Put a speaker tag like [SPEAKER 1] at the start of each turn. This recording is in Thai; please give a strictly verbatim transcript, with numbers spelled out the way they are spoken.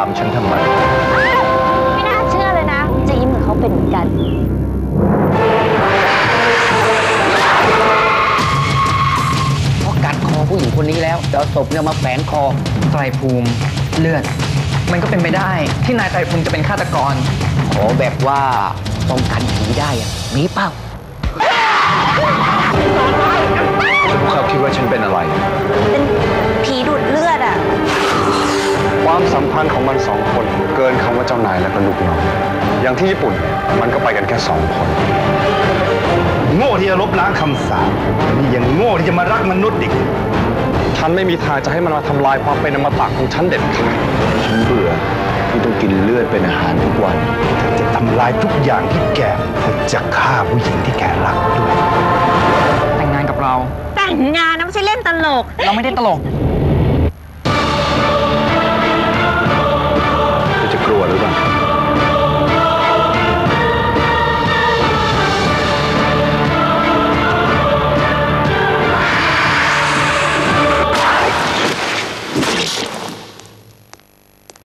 [SPEAKER 1] ฉันทำไม
[SPEAKER 2] ไม่น่าเชื่อเลยนะจะยิ้มเหมือนเขาเป็นเหมือนกัน
[SPEAKER 3] เพราะกัดคอผู้หญิงคนนี้แล้วเดี๋ยวศพเนี่ยมาแฝงคอไตรภูมิเลือดมันก็เป็นไปได้ที่นายไตรภูมิจะเป็นฆาตกรขอแบบว่าป้องกันผีได้อะมีเปล่า
[SPEAKER 1] เขาคิดว่าฉันเป็นอะไร
[SPEAKER 2] เป็นผีดูดเลือดอ่ะ
[SPEAKER 1] ความสัมพันธ์ของมันสองคนเกินคำว่าเจ้านายและก็ลูกน้องอย่างที่ญี่ปุ่นมันก็ไปกันแค่สองคน
[SPEAKER 4] โง่ที่จะลบล้างคำสาปนี่ยังโง่ที่จะมารักมนุษย์อีก
[SPEAKER 1] ฉันไม่มีทางจะให้มันมาทำลายความเป็นอมตะของฉันเด็ดขาดฉันเบื่อที่ต้องกินเลือดเป็นอาหารทุกวัน
[SPEAKER 4] จะทำลายทุกอย่างที่แกจะฆ่าผู้หญิงที่แกรักด้วย
[SPEAKER 3] แต่งงานกับเรา
[SPEAKER 2] แต่งงานนะไม่ใช่เล่นตลก
[SPEAKER 3] เราไม่ได้ตลก